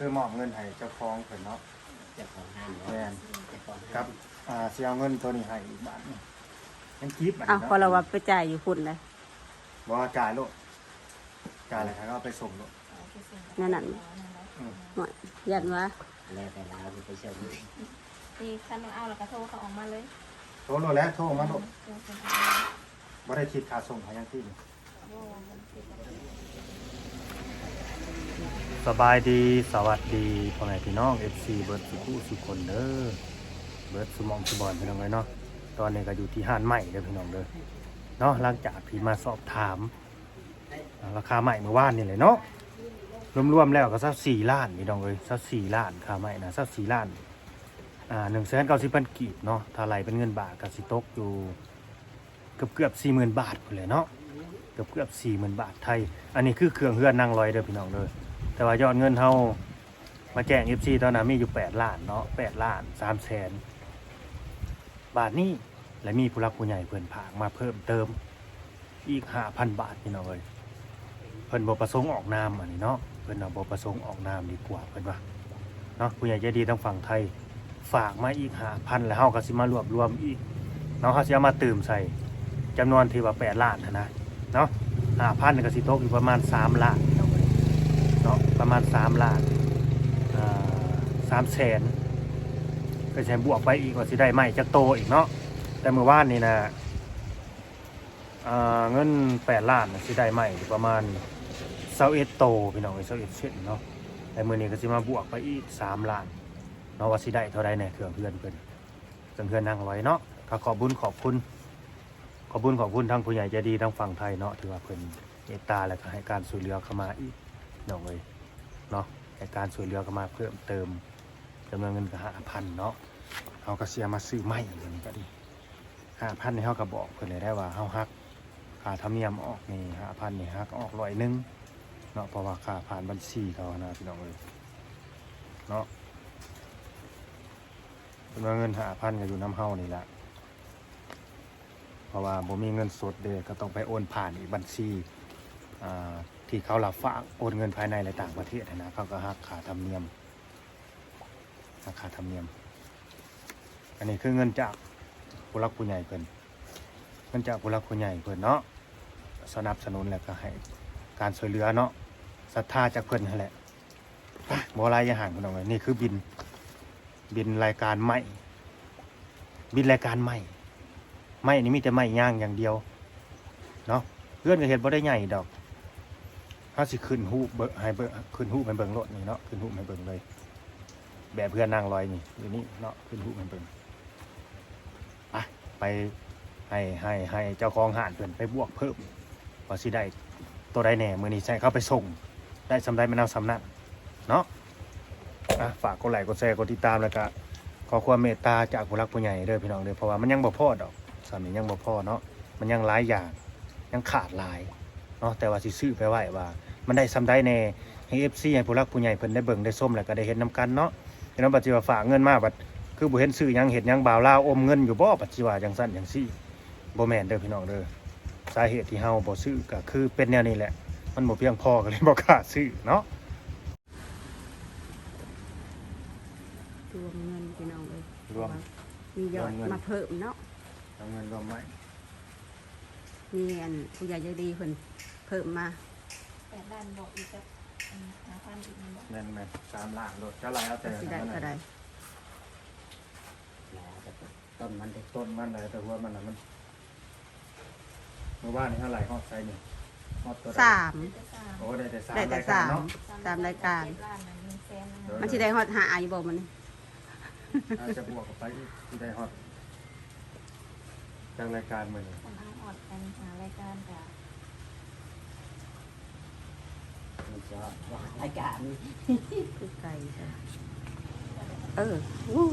คือมอบเงินให้เจ้าของเพิ่นเนาะเจ้าของห้างแม่นเจ้าของครับสิเอาเงินตัวนี้ให้อีกบาทนึงยังคิดอันอ้าวนี้พอเราเนาะว่าไปจ่ายอยู่พุ่นเลยบ่จ่ายโลดจ่ายแล้วเขาเอาไปส่งโลดนั่นน่ะหน่อยยันว่าแล้วแต่เราไปเชิญนี่คันเอาแล้วก็โทรเขาออกมาเลยโทรโลดแล้วโทรมาโลดบ่ได้คิดค่าส่งให้ยังที่นี่สบายดีสวัสดีพ่อแม่พี่น้อง FC เบิร์ดสุขุสุคนเด้อเบิร์ดสุมองสุบอนพี่น้องเลยเนาะตอนนี้ก็อยู่ที่ห้านใหม่เด้อพี่น้องเด้อเนาะหลังจากพี่มาสอบถามราคาใหม่เมื่อวานนี่เลยเนาะรวมๆแล้วก็สัก4 ล้านพี่น้องเลยสัก4 ล้านค่าใหม่นะสัก4 ล้าน190,000 กีบเนาะถ้าไหลเป็นเงินบาทก็สิตกอยู่เกือบ 40,000 บาทพุ่นเลยเนาะเกือบ 40,000 บาทไทยอันนี้คือเครื่องเฮือนนั่งลอยเด้อพี่น้องเด้อแต่ว่ายอดเงินเฮามาแจ้ง FC ตอนนั้นมีอยู่8 ล้านเนาะ8 ล้าน3 แสนบาทนี้และมีผู้รักผู้ใหญ่เพิ่นผากมาเพิ่มเติมอีก 5,000 บาทพี่น้องเอ้ยเพิ่นบ่ประสงค์ออกนามอันนี้เนาะเพิ่นบ่ประสงค์ออกนามดีกว่าเพิ่นว่าเนาะผู้ใหญ่ใจดีทางฝั่งไทยฝากมาอีก 5,000 แล้วเฮาก็สิมารวบรวมอีกเนาะเฮาสิเอามาเติมใส่จำนวนที่ว่า8 ล้านนะเนาะ 5,000 ก็สิตกอยู่ประมาณ3 ล้านเนาะประมาณ3 ล้าน3 แสนก็ใช้บวกไปอีกว่าสิได้ไหมจักโตอีกเนาะแต่เมื่อวานนี่นะเงิน8 ล้านสิได้ไหมประมาณ21โตพี่น้อง21เซนเนาะแต่มื้อนี้ก็สิมาบวกไปอีก3 ล้านเนาะว่าสิได้เท่าใดแน่เครื่องเพื่อนเพิ่นเครื่องเพื่อนนั่งไว้เนาะก็ขอบคุณทางผู้ใหญ่ใจดีทางฝั่งไทยเนาะถือว่าเพิ่นเมตตาและก็ให้การช่วยเหลือเข้ามาอีกน้องเอ้ยเนาะให้การช่วยเหลือเข้ามาเพิ่มเติมจำนวนเงินก็ 5,000 เนาะเฮาก็สิเอามาซื้อไม้อย่างนี้ก็ดี 5,000 นี่เฮาก็บอกเพิ่นเลยได้ว่าเฮาฮักค่าธรรมเนียมออกนี่ 5,000 นี่ฮักออก100นึงเนาะเพราะว่าค่าผ่านบัญชีเขานะพี่น้องเอ้ยเนาะจำนวนเงิน 5,000 ก็อยู่นำเฮานี่แหละเพราะว่าบ่มีเงินสดเด้ก็ต้องไปโอนผ่านอีกบัญชีที่เขารับฝากโอนเงินภายในและต่างประเทศนะเขาก็หักค่าธรรมเนียมค่าธรรมเนียมอันนี้คือเงินจากผู้หลักผู้ใหญ่เพิ่นเงินจากผู้หลักผู้ใหญ่เพิ่นเนาะสนับสนุนแล้วก็ให้การช่วยเหลือเนาะศรัทธาจากเพิ่นนั่นแหละบ่หลายอย่างพี่น้องเอ้ยนี่คือบินรายการใหม่บินรายการใหม่ไม่นี่มีแต่ไม่ย่างอย่างเดียวเนาะเพื่อนก็เห็นบ่ได้ใหญ่ดอกถ้าสิขึ้นหูให้ขึ้นหูให้เบิ่งรถนี่เนาะขึ้นหูให้เบิ่งเลยแบบเพื่อนนั่งลอยนี่อยู่นี่เนาะขึ้นหูให้เบิ่งไปให้เจ้าของห้านเพิ่นไปบวกเพิ่มว่าสิได้ตัวใดแน่มื้อนี้ใช้เขาไปส่งได้สำใดมันเอาสำนั้นเนาะฝากกดไลค์กดแชร์กดติดตามแล้วก็ขอความเมตตาจากผู้รักผู้ใหญ่เด้อพี่น้องเด้อเพราะว่ามันยังบ่พอดอกสามียังบ่พอเนาะมันยังหลายอย่างยังขาดหลายเนาะแต่ว่าสิซื้อไปไว้ว่ามันได้ซ้ำได้แน่ให้ FC ให้ผู้รักผู้ใหญ่เพิ่นได้เบิ่งได้ส้มแล้วก็ได้เห็นนํกันเนาะเห็นว่าบัดสิว่าฝากเงินมาบัดคือบ่เห็นซื้อหยังเฮ็ดหยังบ่าวลาวอมเงินอยู่บ่บัดสิว่าจังซั่นจังซี่บ่แม่นเด้อพี่น้องเด้อสาเหตุที่เฮาบ่ซื้อก็คือเป็นแนวนี้แหละมันบ่เพียงพอก็เลยบ่กล้าซื้อเนาะรวมเงินพี่น้องเลยรวมมียอดมาเพิ่มเนาะเอาเงินรวมไว้มีอันผู้ใหญ่ใจดีเพิ่นเพิ่มมา 8 ล้านบอกอีกกับ5,000 อีกบอกแม่น3 ล้านโลดจะไรเอาแต่สิได้เท่าใดต้นมันได้ต้นมันเลยแต่ว่ามันน่ะมันเมื่อวานนี่เท่าไหร่ฮอดไซส์นี่ฮอดตัวใด 3 โอ้ได้แต่3 ได้แต่รายการเนาะ 3รายการ 7 ล้านนั่น1แสนนั่นมันสิได้ฮอด5อยู่บ่มันนี่อาจจะบวกกับไปอีกที่ได้ฮอดจากรายการมื้อนี้คนเอาออดกันหารายการกับมันจะรายการคือไก่ใช่วู้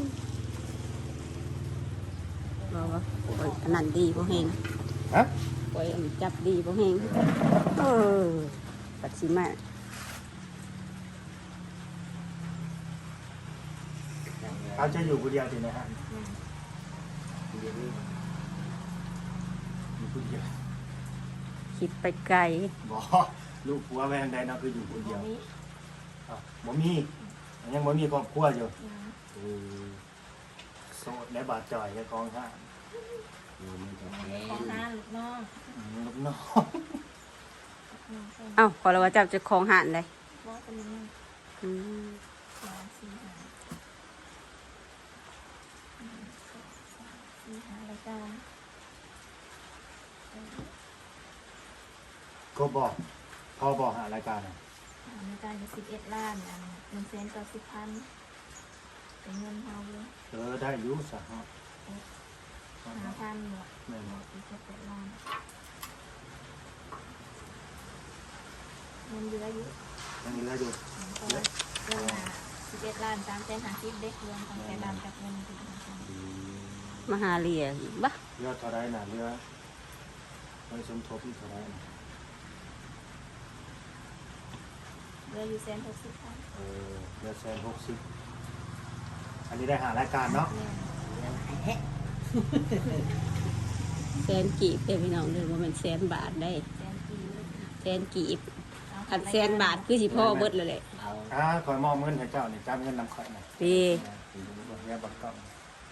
บอกว่าโอ้ยอันนั้นดีบ่แฮงฮะโอ้ยอันจับดีบ่แฮงปัดสิมาเขาจะอยู่คนเดียวที่ไหนฮะอยู่คนเดียวคิดไปไกลบ่ลูกผัวแม่งใดเนาะคืออยู่คนเดียวนี้บ่มียังบ่มีครอบครัวอยู่ยังอืมโสดและบาดจ่อยและกองห้ามันจะยังแพไม่งขอห้าลูกน้องลูกน้องน้องเป็นเอ้าขอเราว่าจับเจะของหานเลยบอสเป็นยังอืมสองสี่ห้าสี่ห้ารายการก็บอกพอบอกหารายการน่ะรายการอยู่11 ล้านอัน190,000เป็นเงินเฮาเลยได้อยู่สะฮะ 5,000หมดแม่นบ่อีก7 ล้านเงินเยอะอยู่ยังเหลืออยู่ก็เดือนละ11 ล้าน350เด็กรวมทั้งแค่ดำกับเงินที่ทำมาหาเลียอีกบ้าเหลือเท่าไรน่ะเหลือไว้สมทบอีกเท่าไรน่ะเหลืออยู่160,000 เหลือ160อันนี้ได้หารายการเนาะเนี่ยเรื่องไอ้แฮะแสนกีบเด้อพี่น้องเด้อว่ามันแสนบาทได้ 100,000 แสนกีบอันแสนบาทคือสิพ่อเบิดเลยแหละเอาคอยมอบเงินให้เจ้านี่จับเงินนำข่อยน่ะดีเรียกบัตรกล้อง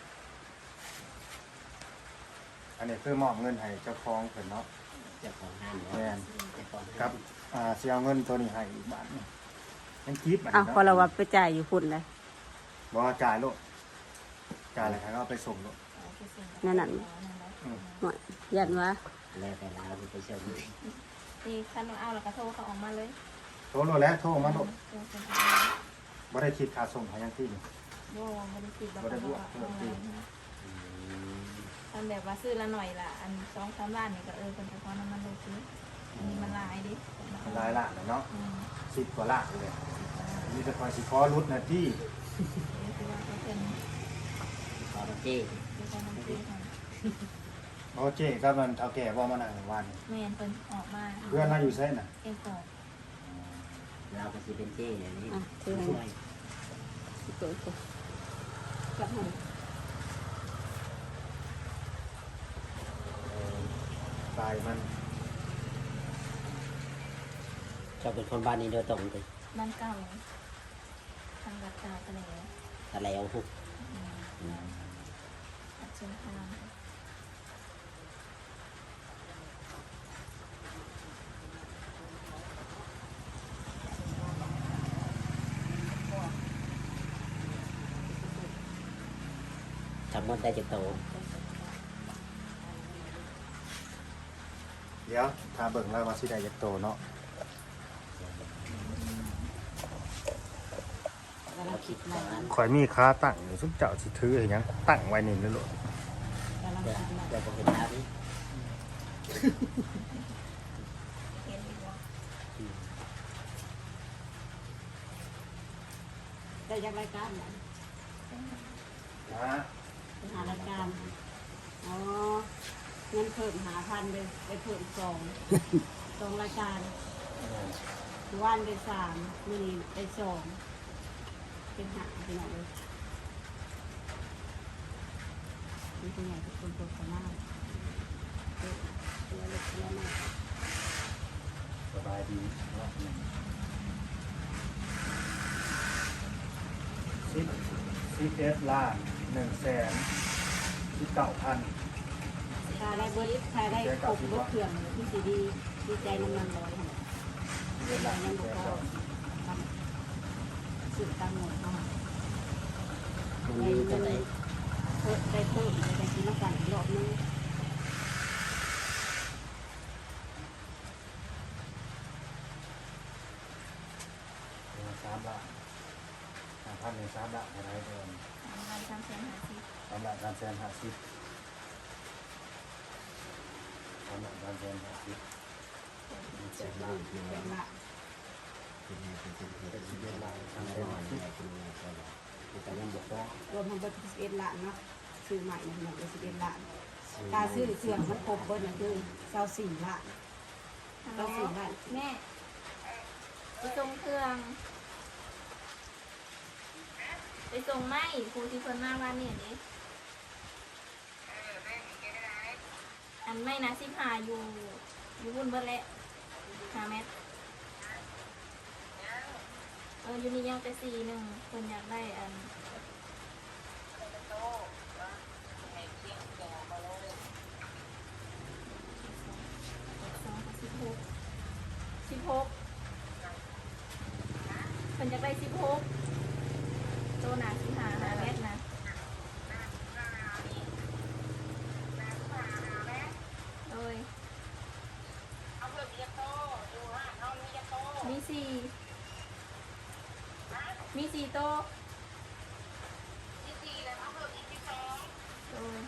อันนี้คือมอบเงินให้เจ้าของเพิ่นเนาะเจ้าของห้างแม่นเจ้าของกับสิเอาเงินตัวนี้ให้อีกบาทหนึงยังคิดบัดเอ้านี้ขอเราเนาะว่าไปจ่ายอยู่พุ่นเลยบ่จ่ายโลดจ่ายแล้วเขาเอาไปส่งโลดนั่นน่ะหน่อยยันว่าแล้วแต่เราไปเช่าดูนี่คันเอาแล้วก็โทรเขาออกมาเลยโทรโลดแล้วโทรมาโลดโทรคนบ่ได้คิดค่าส่งให้ยังที่นี่โบไม่ได้คิดแบบบ่ได้บวกทำแบบว่าซื้อละหน่อยละอัน2-3 ล้านนี่ก็คนเฉพาะน้ำมันเลยซื้ออันนี้มันหลายดิมันหลายล้านแล้วเนาะอืม 10กว่าล้านเลยมีแต่คอยสิขอรุดหน้าที่นี่คือว่าเขาเป็นขอเจ้คือการทำซื้อของบ่เจ๊กับมันเฒ่าแก่บ่มานั่งวันแม่นเป็นออกมาเพื่อนเราอยู่ไสน่ะเอ็นกอกเราก็สิเป็นเจ้อย่างนี้อ่ะถือให้ช่วยเกิดขึ้นจับให้ตายมันเจ้าเป็นคนบ้านนี้โดยตรงเลยบ้านเก่าทางรัดกาทะเลแต่แล้วหุบอัดเชิญทางทำมันได้จะโตเดี๋ยวถ้าเบิ่งแล้วว่าสิได้จักโตเนาะเราคิดว่าข่อยมีค่าตั้งอยู่ซุมเจ้าสิถือให้หยังตั้งไว้นี่นั่นโลดเราก็เป็นน้ำนี้เห็นดีกว่าได้จากรายการไหนนะไปหารายการอ๋อเงินเพิ่ม5,000เลยไปเพิ่ม2รายการวันได้3มื้อนี้ได้2เป็น5พี่น้องเลยนี่เป็นไงทุกคนโฆษณาเล็กเล็กน้อยสบายดีเนาะ11ล้าน119,000 ถ้าได้เบิร์ดถ้าได้ครบเบิร์ดเครื่องที่สีดีดีใจน้ำมันลอยค่ะเวลายังบอกว่าสื่อตามหมดเนาะตรงนี้ก็ได้เพิ่มได้เพิ่มได้กินน้ำกันอีกรอบนึง 3 ล้าน5,000ใน3ล้านอะไรเดิม 3,350 3ล้าน350 3ล้าน350 7 ล้านเป็นละ 11 ล้านทำได้หน่อยเป็นไงก็ได้แต่ยังบอกว่ารวมทั้งเบิร์ด11 ล้านเนาะซื้อใหม่หนึ่งเลย11 ล้านตาซื้อเสื่อมมันครบเบิร์ดนั่นคือ24 ล้าน24 ล้านแม่ไปส่งเครื่องไปส่งไม้ครูที่เพิ่นมาวันนี้นี่อันไม่นะ15อยู่บุญเบิดแหละ5 เมตรอยู่นี่ยังไป4-1คนอยากได้อัน16คนอยากได้16โตหนา15 5 เมตรนะโดยมี4โตโดย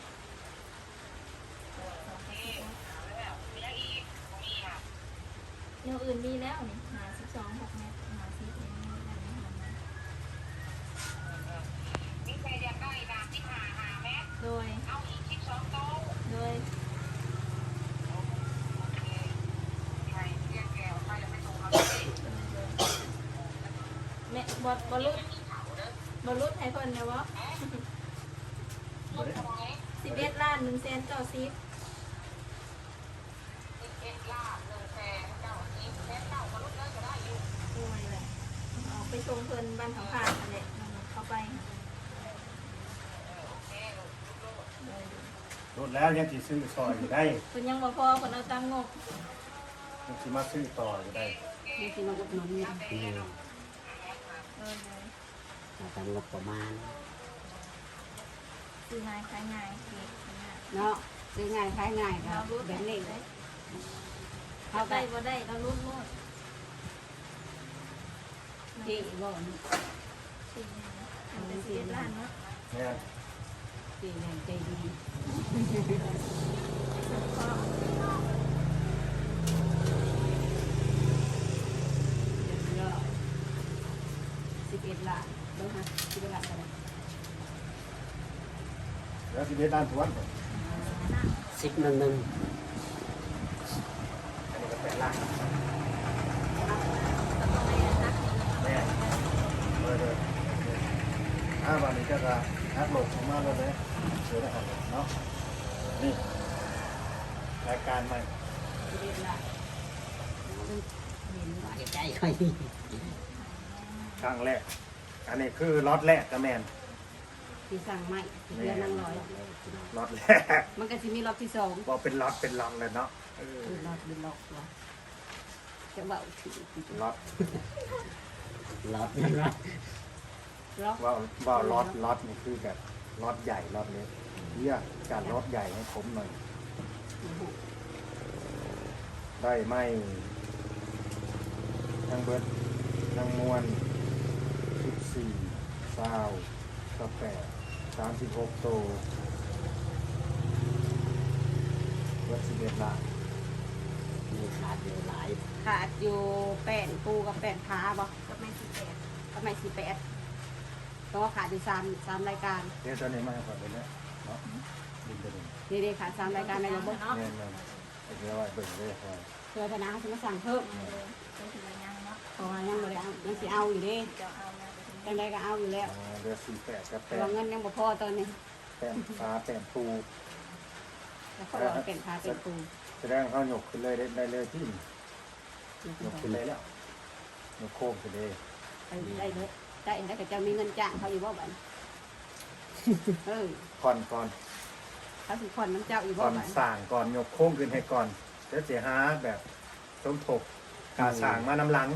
แนวอื่นมีแล้วนี่12 6 เมตร50เมตรนี่ได้ไหมคะโดยโดยแม่บอลลุดให้เพิ่นนะวะ11 ล้าน1 แสน90โอ้ยแหละเอาไปชงเพิ่นบ้านเขาผ่านนั่นแหละเข้าไปรถแล้วยังสิซื้อซอยอยู่ได้เพิ่นยังบ่พอเพิ่นเอาตังค์งบยังสิมาซื้อต่ออยู่ได้นี่คือมาอุดหนุนเนี่ยที่เออมาทำงบประมาณซื้อง่ายขายง่ายเก็บง่ายเนาะซื้อง่ายขายง่ายคเรารับรู้แบบนี้เลยเขาได้ได้บ่ได้เรารู้หมดที่บ่สี่มันเป็น11 ล้านเนาะแม่นที่แรงใจดีก็เยอะ11 ล้านเบิ่งฮะ11 ล้านอะไรแล้วสิเฮ็ดด้านทวนก่อน 10 1 1 อันนี้ก็เป็นล่างต้องไปนักแม่นเลยวันนี้ก็จะนักโหลดออกมาเลยเลยเชิญนะครับเนาะนี่รายการใหม่ 11 ล้านเห็นว่าใจค่อยครั้งแรกอันนี้คือล็อตแรกกระแมนที่สั่งใหม่ที่เดือนนั่งร้อยล็อตแรกมันก็จะมีรอบที่สองบอกเป็นล็อตเป็นล็อตเลยเนาะเออคือรอบเป็นรอบวะจะเบาถือล็อตรอบนั้นว่ารอบว่าล็อตนี่คือแบบล็อตใหญ่ล็อตเล็กเรียกการล็อตใหญ่ให้ผมหน่อย ได้ไม่ทั้งเบิร์ดทั้งมวล14 28 36โตเบิร์ด11 ล้านมีขาดอยู่หลายขาดอยู่แป้นปูกับแป้นขาบ่ก็ไม่18 ทำไม18ก็ขาดอยู่3รายการเดี๋ยวตอนนี้มาให้ก่อนเลยนะเนาะดินตัวนี้นี่ๆขาด3รายการในระบบเนาะแน่นอนเดี๋ยวไว้เบิ่งเลยครับเพื่อพนักเขาจะมาสั่งเพิ่มเป็นทีละยังเนาะเพราะว่ายังไม่ได้เอายังสิเอาอยู่เดิจะเอามาไปถึงจังใดก็เอาอยู่แล้วเรือ48กับแต่ว่าเงินยังบ่พอตอนนี้แป้นฟ้าแป้นปูแล้วเขาบอกว่าเป็นขาเป็นปูแสดงเขาหยกขึ้นเลยได้เลยที่หยกขึ้นเลยแล้วหยกโค้งไปเลยได้เลยได้แล้วก็จะมีเงินจ้างเขาอยู่บ่บัดเออก่อนเขาสิผ่อนน้ำเจ้าอยู่ก่บ่อนบัดสั่งก่อนหยกโค้งขึ้นให้ก่อนเดี๋ยวเสียหาแบบสมทบการสั่งมาน้ำหลัง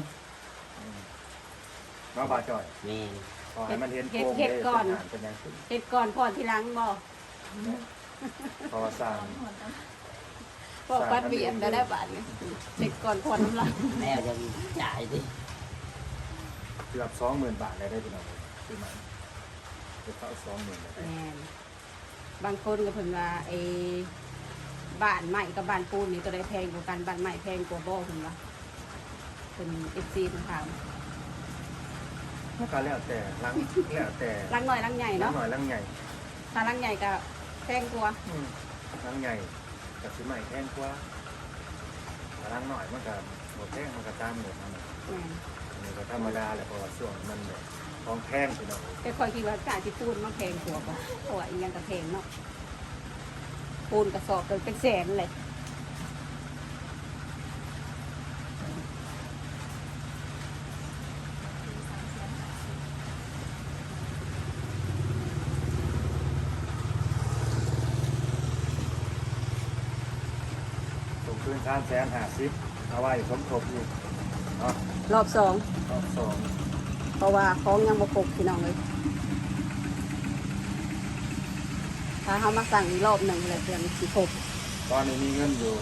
มาบาจ่อยแม่นขอให้มันเห็นโค้งเลยเป็นยังขึ้นเฮ็ดก่อนผ่อนทีหลังบ่พอสั่งพอปัดเบียดได้บาทนี่เฮ็ดก่อนผ่อนน้ำหลังแล้วจะจ่ายดิเกือบ20,000 บาทเลยได้พี่น้องคือมันจะเข้า20,000เลยแม่นบางคนก็เพิ่นว่าไอ้บ้านใหม่กับบ้านปูนนี่ตัวใดแพงกว่ากันบ้านใหม่แพงกว่าบ่เพิ่นว่าเพิ่น FC เพิ่นถามก็แล้วแต่ลังแล้วแต่ลังน้อยลังใหญ่ลังเนาะหน่อยลังใหญ่ถ้าลังใหญ่ก็แพงกว่าลังใหญ่กับสิใหม่แพงกว่าลังหน่อยมันก็หมดแพงมันก็ตามหมดนั่นแหละแม่นอันนี้ก็ธรรมดาแหละเพราะว่าช่วงมันแบบของแพงพี่น้องแต่คอยคิดว่าการที่ปูนมันแพงกว่าบ่เพราะว่าอีหยังก็แพงเนาะปูนกระสอบก็เป็นแสนเลย 3 แสนคืน350,000เอาไว้สมทบอีกเนาะรอบสองรอบสองเพราะว่าของยังบ่ครบพี่น้องเลยถ้าเขามาสั่งอีกรอบหนึ่งเลยเดือนสิครบตอนนี้มีเงินอยู่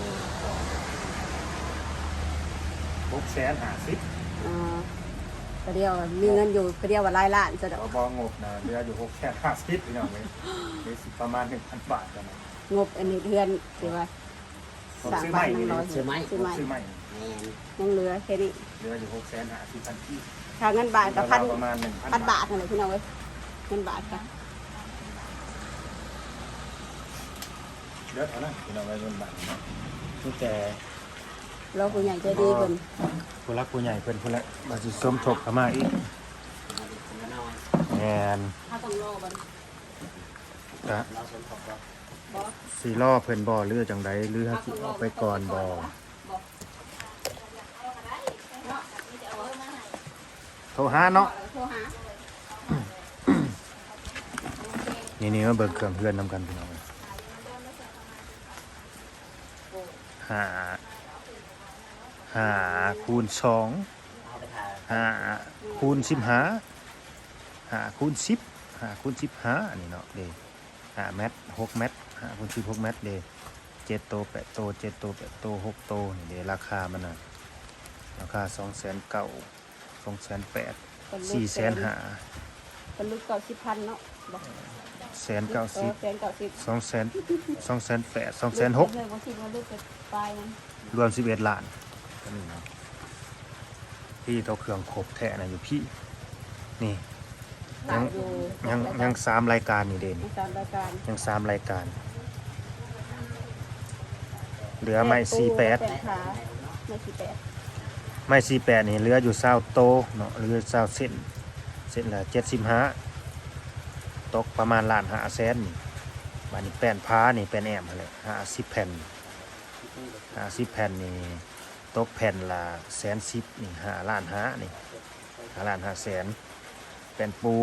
650,000 ก็เดียวมีเงินอยู่ก็เดียวว่าหลายล้านจะดอกบ่งบนะเหลืออยู่650พี่น้องเว้ยมีสิประมาณ 1,000 บาทกันนะงบอันนี้เดือนสิว่าผมสามซื้อพัใหม่นหนึ่นี่งร้อยซื้อไหมซื้อใหม่ซื้อใหม่แม่นยังเหลือแค่นี้เหลืออยู่650,000ที่ค่าเงินบาทกับพันประมาณพัน 1,000 บาทนั่นแหละพี่น้องเว้ยเงินบาทกันเยอะเท่านั้นพี่น้องไว้เงินบาทเนาะนี่แต่เราผู้ใหญ่ใจดีเพิ่นผู้รักผู้ใหญ่เพิ่นผู้ละมาสิสมทบเข้ามาอีกคนละน้อยแม่นถ้าต้องรอบันก็เราสมทบก็บ่สิรอเพิ่นบ่หรือจังใดหรือเฮาสิออกไปก่อนบ่โทรหาเนาะโทรหานี่มาเบิ่งเครื่องเฮือนนำกันพี่น้องห้าคูณ2 เอาไปถ่าย 5คูณ15 5คูณ10 5คูณ15อันนี้เนาะเด้5เมตร6เมตร5คูณ10 6เมตรเด้7โต8โต7โต8โต6โตนี่เด้ราคามันน่ะราคา2,900,000 2,800,000 4,500,000 เป็นลูก90,000เนาะบ่ 190,000 190 2,800,000 2,800,000 2,600,000 เลยบ่คิดว่าลูกจะไปมันรวม11 ล้านก็นี่เนาะพี่ตัวเครื่องครบแท้นะอยู่พี่นี่ยัง3รายการนี่เด่นตามรายการยัง3รายการ เหลือไม่ขาไม่48 48ไม่48นี่เหลืออยู่20โตเนาะเหลือ20เส้นละ75ตกประมาณ1,500,000นี่บัดนี้แป้นพ้านี่แป้นแอมหั่นแหละ50แผ่น50แผ่นนี่ตกแผ่นละ110,000นี่5,500,000นี่5,500,000แผ่นปู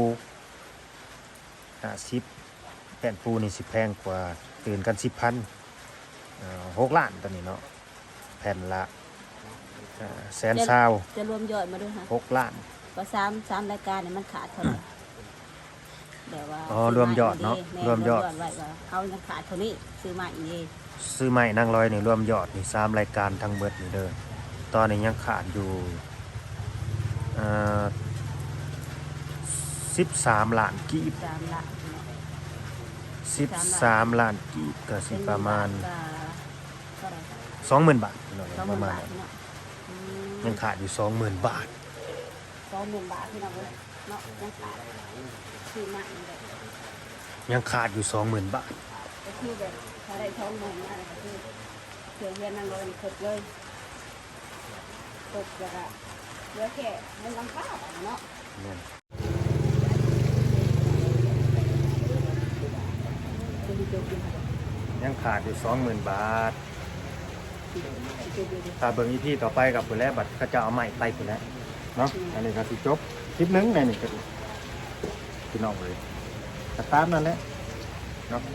50แผ่นปูนี่สิแพงกว่าตื่นกัน 10,000 6 ล้านตอนนี้เนาะแผ่นละ120,000 จะรวมยอดมาด้วยค่ะ 6 ล้านว่า3รายการเนี่ยมันขาดเท่าไหร่แบบว่าอ๋อรวมยอดเนาะแม่รวมยอดไว้ว่าเขายังขาดเท่านี้ซื้อมาอีกเองซื้อใหม่นางร้อยนี่รวมยอดนี่3รายการทั้งเบิดนี่เด้อตอนนี้ยังขาดอยู่13 ล้านกีบ 3ละ 13 ล้านกีบก็สิประมาณเท่าไหร่ 20,000 บาทพี่น้อง 20,000 ประมาณบาทนั้นเนาะยังขาดอยู่ 20,000 บาท 20,000 บาทที่เราเนาะยังขาดซื้อมาอีกแบบยังขาดอยู่ 20,000 บาทก็คือแบบถ้าได้20,000มาก็คือเสียเงินนั่งรอครบเลยครบแล้วก็เหลือแค่เงินลังค่าเนาะเนี่ยจะมีโจกินยังขาดอยู่ 20,000 บาท ถ้าเบิ่งอีพีต่อไปกับผู้แลบัตรเขาจะเอาใหม่ไปผู้แลเนาะอันนี้ก็สิจบคลิปหนึงในนี่ก็พี่น้องเลยก็ตามนั่นแหละเนาะ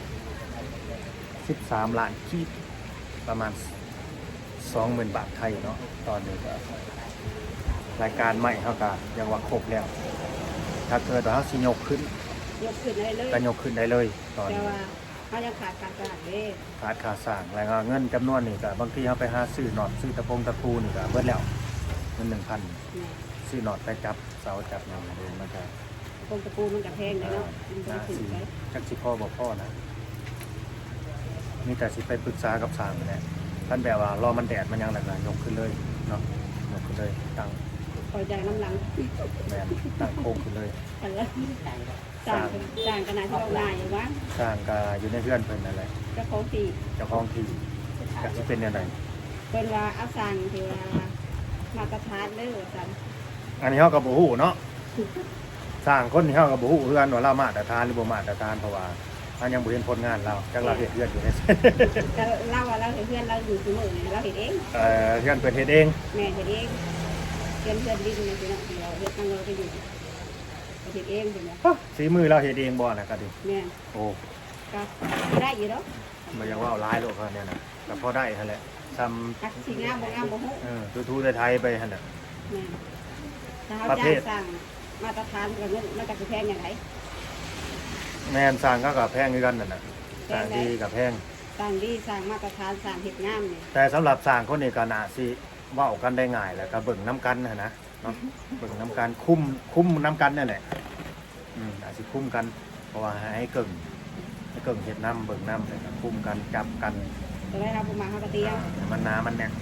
13 ล้านกีบประมาณ 20,000 บาทไทยเนาะตอนนี้ก็รายการใหม่เขาก็ยังว่าครบแล้ว ถ้าเกิดว่าเขาสิยกขึ้นยกขึ้นได้เลยก็ยกขึ้นได้เลยตอนแต่นี้ว่าเขายังขาดการตลาดเด้ขาดค่าสร้างแล้วก็เงินจำนวนนี่ก็บางทีเขาไปหาซื้อหนอดซื้อตะปูนี่ก็เบิดแล้วเงิน 1,000 เนี่ยซื้อหนอดไปจับเสาจับอย่างเดินมันก็กงตะปูมันกับแพงเลยเนาะมันจะน่าถึงสิไปจักสิพ่อบอกพ่อนะมีแต่สิไปปรึกษากับสร้างนั่นแหละท่านแบบว่ารอมันแดดมันยังหลักยกขึ้นเลยเนาะยกขึ้นเลยตั้งคอยใจน้ำหลังแมนตั้งโค้งขึ้นเลยกันแล้วจ่างขนาดที่เราได้อยู่วะสร้างก็อยู่ในเพื่อนเพิ่นนั่นแหละเจ้าของที่เจ้าของที่ก็สิเป็นยังไงเป็นว่าเอาสั่งที่ว่ามาตรฐานเลยว่าสั่งอันนี้เฮาก็บ่ฮู้เนาะสร้างคนที่เฮาก็บ่ฮู้เพื่อนว่าเรามาตรฐานหรือบ่มาตรฐานเพราะว่าอันยังบ่เห็นผลงานเราจักเราเฮ็ดเพื่อนอยู่ในแต่เราว่าเราเห็นเพื่อนเราอยู่ที่มือเราเห็นเองเพื่อนเพิ่นเฮ็ดเองแม่เห็นเองเพื่อนดิ้นในที่นั่นเราเห็นนั่งเราไปอยู่เห็นเองเป็นไงฝีมือเราเฮ็ดเองบ่น่ะก็ดิแม่โอ้ก็ได้อยู่แล้วมันยังว่าเอาร้ายโลกเขาเนี่ยนะแต่พอได้หั่นแหละซ้จักสิงามบ่งามบ่ฮู้ำทูๆไทยๆไปหั่นน่ะแม่นถ้าเฮาประเภจ้างทสร้างมาตรฐานก็เงินมันก็สิแพงอย่างไรแม่นสร้างก็กับแพงคือกันนั่นน่ะแพสร้าง งได้ดีกับแพงสร้างดีสร้างมาตรฐานสร้างเฮ็ดงามนี่แต่สำหรับสร้างคนนี้ก็น่าสิเว้ากันได้ง่ายแหละก็เบิ่งน้ำกันนะนะเนาะเบิ่งน้ำกันคุ้มน้ำกันนั่นแหละอาจสิคุ้มกันเพราะว่าให้เกิ่งเฮ็ดน้ำเบิ่งน้ำแล้วก็คุ้มกันจับกันจะได้รับบ่มาเฮาก็เตียวให้มันหนามันเนี่ย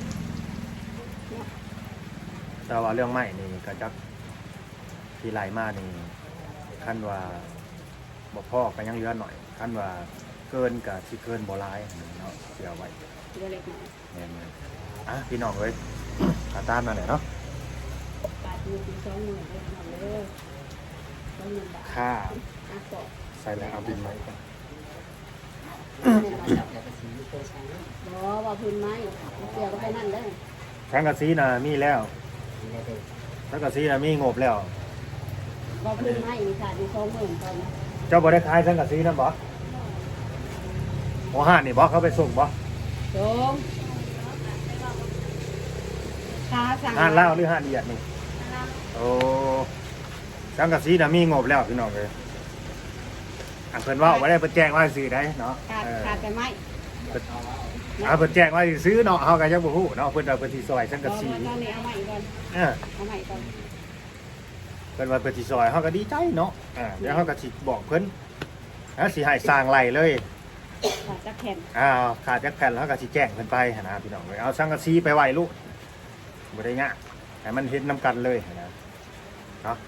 แต่ว่าเรื่องใหม่นี่ก็จักที่ไหลมานี่ขั้นว่าบ่พอก็ยังเหลือหน่อยขั้นว่าเกินก็สิเกินบ่หลายเนาะเสียไว้เดี๋ยวเล็กน้อยแม่นๆอ่ะพี่น้องเอ้ยตาตามนั่นแหละเนาะบาทนึงถึง20,000เลยเอาเลย20,000 บาทค่าอ่ะก็ใส่แล้วเอาบินไหมก่อนบ่ว่าพื้นไม้เกี่ยวกับไปนั่นเด้อสังกะสีน่ะมีแล้วสังกะสีน่ะมีงบแล้วบ่พื้นไม้นี่ค่ะอยู่20,000ตอนนี้เจ้าบ่ได้ขายสังกะสีนั่นบ่หัวห้านนี่บ่เขาไปส่งบ่โจมค่าสั่งห้านลาวหรือห้านเอียดนี่โอ้สังกะสีน่ะมีงบแล้วพี่น้องเอ้ยอันเพิ่นเว้าบ่ได้เพิ่นแจ้งว่าซื้อได้เนาะขาดแต่ไม้เพิ่นแจ้งว่าสิซื้อเนาะเฮาก็ยังบ่ฮู้เนาะเพิ่นว่าเพิ่นสิซอยสังกะสีตอนนี้เอาไม้ก่อนเออเอาไม้ก่อนเพิ่นว่าเพิ่นสิซอยเฮาก็ดีใจเนาะเดี๋ยวเฮาก็สิบอกเพิ่นแล้วสิให้สร้างไร่เลยขาดจักแผ่นขาดจักแผ่นแล้วก็สิแจ้งเพิ่นไปหั่นนะพี่น้องเอ้ยเอาสังกะสีไปไว้ลูกบ่ได้ยากให้มันเฮ็ดนํกันเลยหั่นนะเนาะ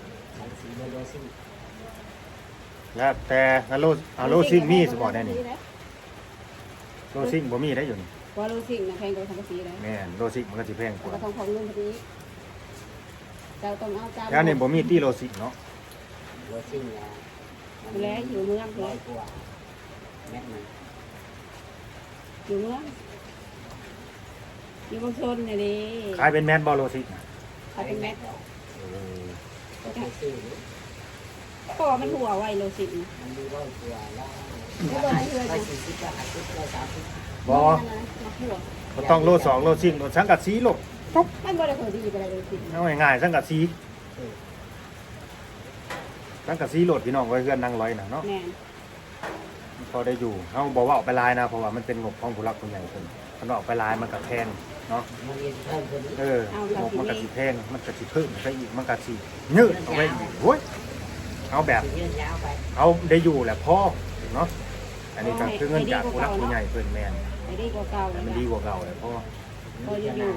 แล้วแต่โลซิ่งมีสิบ่ได้นี่โลซิ่งบ่มีได้อยู่นี่ว่าโลซิ่งนะแพงกว่าสังกะสีเลยแม่นโลซิ่งมันก็สิแพงกก็ว่าต้องของเงินพอดีเราต้องเอาตามแล้วนี่บ่มีที่โลซิ่งเนาะแล้วอยู่เมืองเลยอยู่เมืองอยู่บางชนเนี่ยดิขายเป็นแม่นบ่โลซิ่งน่ะเขาเป็นแม็กเออก็มันหัวไวโลซิ่งไม่บอกให้เลยจ้ะบ่มาหัวบ่ต้องโล2โลซิ่งโลสังกะสีโลปุ๊บมันบ่ได้เคยดีไปเลยโลซิ่งเอาง่ายๆสังกะสีสังกะสีโหลดพี่น้องไว้เพื่อนนั่งร้อยน่ะเนาะแม่นพอได้อยู่เขาบอกว่าออกไปลายนะเพราะว่ามันเป็นงบของผู้รักผู้ใหญ่เพิ่นมันออกไปลายมันก็แพงเนาะงบมันก็สิแพงมันก็สิเพิ่มไปอีกมันก็สิยืดเอาไว้อีกโอ้ยเอาแบบเอาได้อยู่แหละพ่อเนาะอันนี้ก็คือเงินจากผู้รักผู้ใหญ่เพิ่นแม่นไอ้ดีกว่าเก่าแต่มันดีกว่าเก่าเลยพ่อพออยู่แม่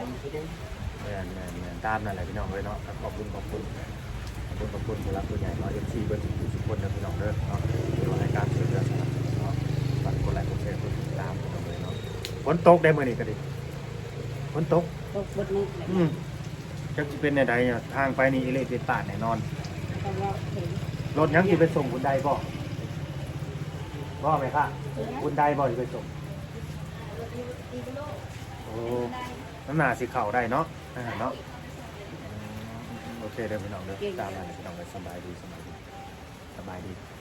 นตามนั่นแหละพี่น้องเลยเนาะขอบคุณผู้รักผู้ใหญ่เนาะ FC เบิ่ทุกคนนะพี่น้องเด้อเนาะที่ว่ารายการช่วยเหลือสนับสนุนเนาะฝากกดไลค์กดแชร์กดติดตามพี่น้องเลยเนาะฝนตกได้มื้อนี้ก็ดีฝนตกตกบดนึกเลยจักสิเป็นใดๆทางไปนี่อิเละติดตาดแน่นอนแต่ว่าเห็นรถยังสิไปส่งคุณใดบ่ไหมคะคุณใดบ่สิไปส่งโอ้น้ำหนาสิเข้าได้เนาะเนาะโอเคเด้อพี่น้องเด้อตามนั้นพี่น้องเลยสบายดี